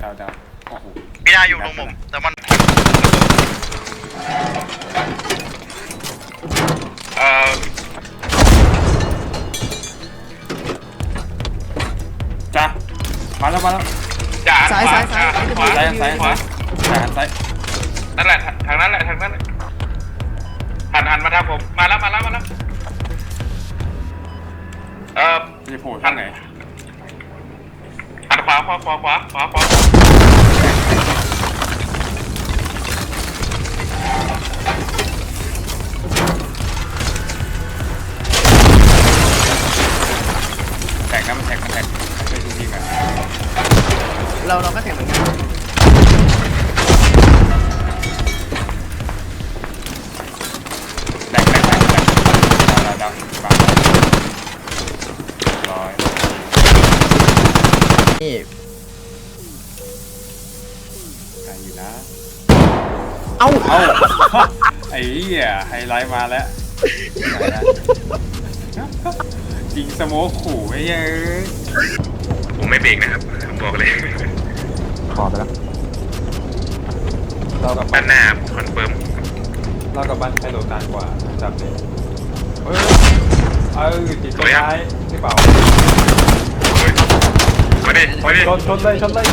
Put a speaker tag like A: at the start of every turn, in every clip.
A: ดาวโอ้โห
B: ไม่ได้อยู่ตรงมุมแต่มัน
A: จ้ามาแล้ว
B: จ่า
C: ซ้าย
A: ซ้าย
B: นั่นแหละทางนั้นแหละหันมาทางผมมาแล้ว
A: จะโผล่ทางไหน
B: หันขวา
A: แท็กนะมันแท็กไปดูทีกัน
C: เราก็แข่งเหมือนกัน
A: แท็กดาวบังร้อย
C: นี่
A: ใครอยู่นะ
C: เอ้า
A: ไอ้เหี้ยไฮไลท์มาแล้วยิงสโมกขู่ไอ้เหี้ย
B: ผมไม่เบรกนะครับผมบอกเลย
C: ขอไปแล้ว
B: เรากับบ้านหน้าผมคอนเฟิร์ม
A: เรากับบ้านใครโหลดนานกว่าจับเลยติดต้นไม้ที่เปล่า
B: ไม่ได้
A: ชนเลยโหลด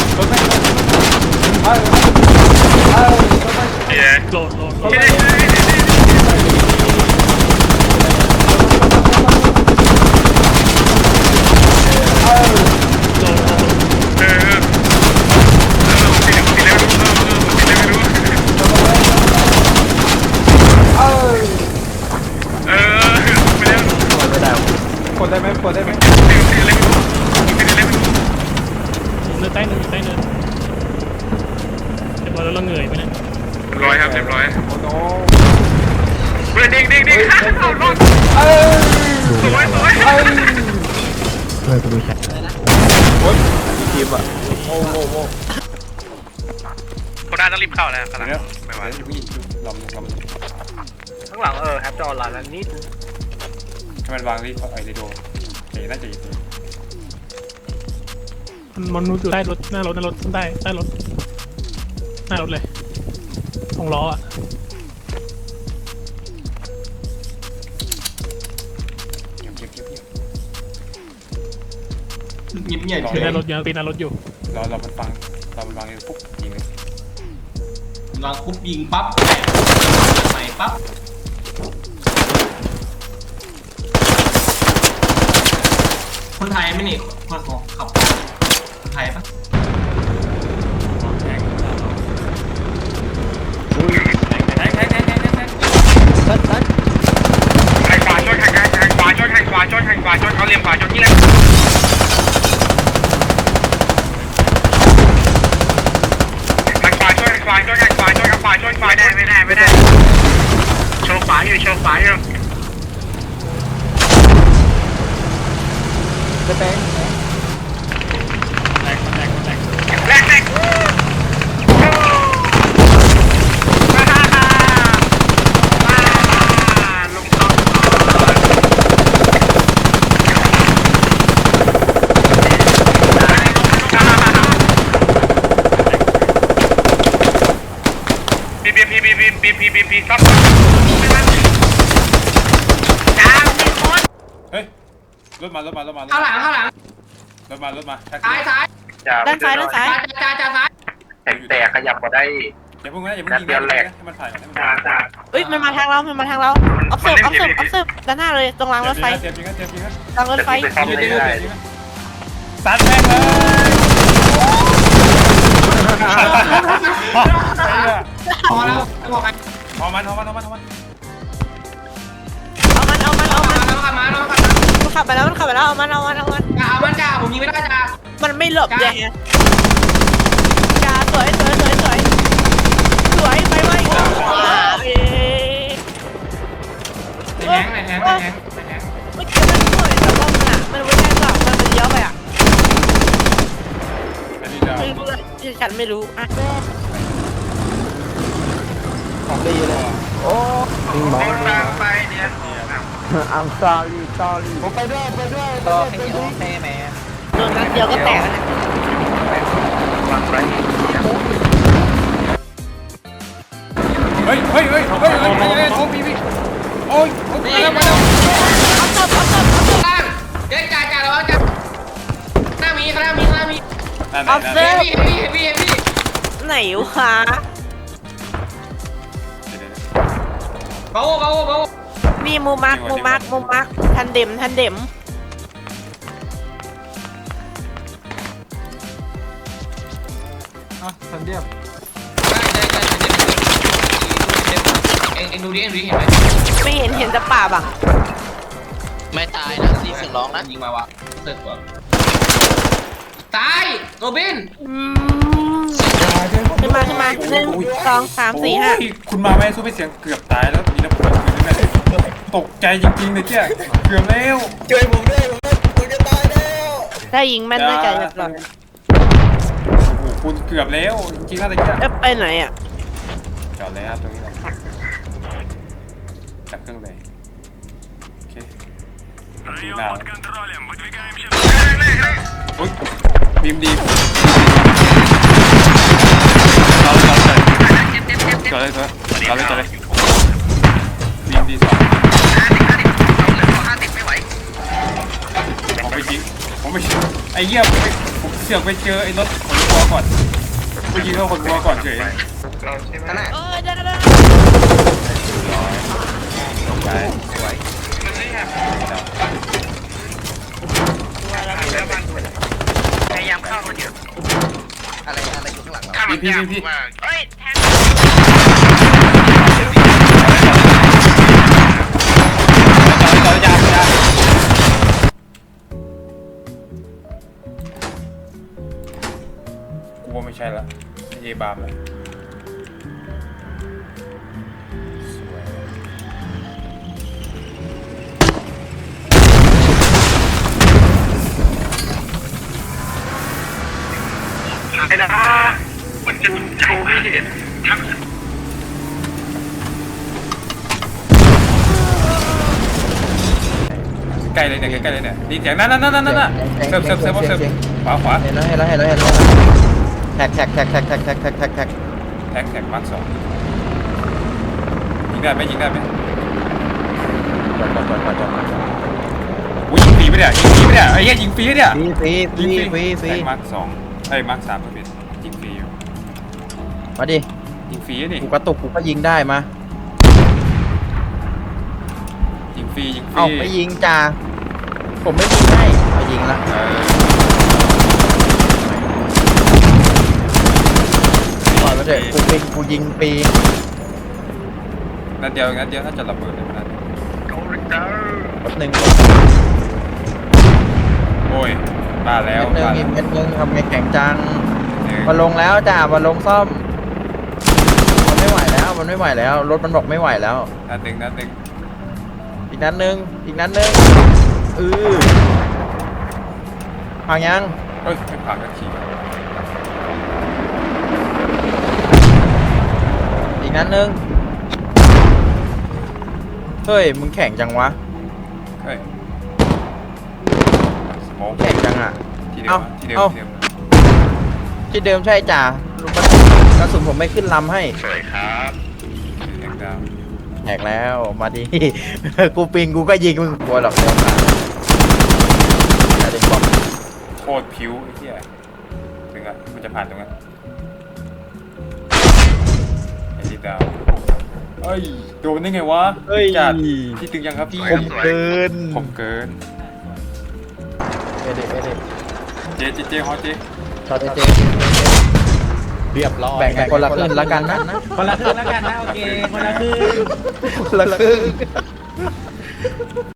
A: กดได้ไหม
D: เนื้อใต้เนื้อเรียบร้อยแล้วเราเหนื่อยไปนะ
B: เรียบร้อยครับ
A: โอ้โห
B: เด้งเอารถสวย
C: เลยกูดูแชท
A: โอ้ยทีมอ่ะโอ้
B: คนน่าต้องรีบเข้าแล้วขนาด
A: ไม่ไหวลำ
B: ข้างหลังแฮปจออนไลน์แล้วนิด
A: ให้มันวางรีบไอ้โดน่าจะยิง
D: มันอยู่ใต้รถหน้ารถใต้รถหน้ารถเลยตรงล้ออ่ะ
A: เงียบ
D: ปีนหน้ารถยังปีนหน้ารถอยู่
A: เรามันฟังปุ๊บยิงเลย
E: เราคุบยิงปั๊บใหม่ปั๊บคนไทยไหมนี่คนของขับคนไทยปะ
A: แทง
B: แข่งขวาชนเขาเรียมขวาชนที่แรกแข่งขวาชนไม่ได้โชว์ขวาอยู่
C: จะเป็น
B: แรกลงท้องพีซับจ้ามีคน
A: เฮ้ยรถมา
E: ข้างหลังรถมา
A: ซ้าย
C: ด้านซ้าย
E: จ่า
B: แต่ขยับมาได้
A: อย่าเพิ่งยิงให้มันถ่าย
C: เอ้ยมันมาทางเราออฟเซิร์ฟด้านหน้าเลยตรงรางรถไฟรางรถไฟ
A: ซัดแม่งเลย
E: พอแล้วบอกไง
A: เอามัน
C: เอามันขับไปแล้วเอามัน
E: จ่าผมยิงไม่ได้จ่า
C: มันไม่หลบเลยจ่าสวยไปเมื่อกี้มันสวยแต่ว่ามันไม่ใช่แบบมันเลี้ยวไปอ่ะไม่รู้ฉันไม่รู้อ่ะ
A: ของดีเลยโอ้
B: ไปเนี่ย
C: I'm sorry
A: ผมไปด้วย
C: โดนนัดเดียวก็แตกแล้ว
A: เฮ้ยโอ้พี่โอ้ยมาแล้ว
C: เอาศพเอาศพเอาศพ
E: ล่างเจ๊จ่าระวังจ่าหน้ามีข้างหน้ามี
C: เอาศ
E: เฮ้
C: พ
E: ยพี่
C: ไหนวะ
E: เบา
C: นี่มูมักทันเด็ม
E: ได้เอ็งดูดิเห็นไหม
C: ไม่เห็นแต่ป่าบัง
F: ไม่ตายนะซีเสียงร้องนะ
E: ยิงมาวะเสร็จกว่าตายโรบิน
C: ขึ้นมา1 2 3 4 5
A: คุณมาไม่สู้ไม่เสียงเกือบตายแล้วมีระเบิดอยู่ในนั้นตกใจจริงๆเลยเจ้าเกือบแล้ว
C: ถ้ายิงแม่นน่าจะเรียบร้อย
A: โอ้โหคุณเกือบแล้วจริงๆน่าจะเจ้า
C: ไปไหนอ่ะ
A: จอดเลยครับตรงนี้แหละจับเครื่องเลยโอเคดูหน้าอุ้ยบีมดีจอดเลยบีมดีสองผมไม่ยิงไอ้เหี้ยผมเสือกไปเจอไอ้รถขนวัวก่อนไปยิงเขาขนวัวก่อนเฉย
C: ได้
A: ไปสวยพยายามเข้าคนเดียว
F: อะไรอยู่ข้างหลังเรา
A: พี่
C: เฮ้ยแทง
A: ต่อยากูว่าไม่ใช่ละเอบามเลยสวยไอ้นะมันจะโชว์ให้เห็นใกล้เลยเนี่ยใกล้เลยเนี่ยดีเสียงนั่นเสิร์ฟขวา
F: เห็นแล้วแท็ก
A: มาร์ค 2ยิงได้ไหม
F: จอด
A: อุ้ยยิงฟรีไปเนี่ยไอ้เหี้ยยิงฟรีเนี่ย
F: ฟรี
A: มาร์ค 2มาร์ค 3ก็เป็นยิงฟรีอยู่
F: มาดิ
A: ยิงฟรีนี่
F: กูกระตุกกูก็ยิงได้มา
A: ยิงฟรี
F: เอ้าไม่ยิงจ่าผมไม่ยิงให้มายิงละปล่อยมาเถอะกูยิงปี
A: นัดเดียวถ้าจะระเบิดเลยนะ
F: แป๊บนึง
A: โอ้ยมาแล้ว
F: เม็ดนึงทำไงแข็งจังมาลงแล้วจ่ามาลงซ่อมมันไม่ไหวแล้วรถมันบอกไม่ไหวแล้ว
A: นัดหนึ่ง
F: อีกนัดนึงพังยัง
A: เฮ้ยไม่ผ่านกันที
F: อีกนัดนึงเฮ้ยมึงแข็งจังวะ
A: เฮ้ยสโมอง
F: แข็งจังอ่ะ
A: ที่เดิม
F: ที่เดิมใช่จ่ากระสุนผมไม่ขึ้นลำให้
B: สวยครับ
A: แดงดาว
F: แหกแล้วมาดิ กูปิงกูก็ยิงมึงกลัวหรอกเดี๋ยวมาแต่เด็กบอก
A: โคตรผิวไอ้เหี้ยถึงอ่ะมันจะผ่านตรงนั้นไอ้ที่ดาวเอ้ยโดนได้ไงวะจัดที่ตึงยังครับพี่
F: ผมเกิน
A: ผมเกิน
F: เอเด
A: เจ๊ฮอตเจ๊
F: ตอนเจ
D: เรียบร้อย
F: แบ่งกันคนละครึ่งแล้วกันนะ
D: คนละครึ่งแล้วกันนะโอเคคนละครึ่ง
F: คนละครึ่ง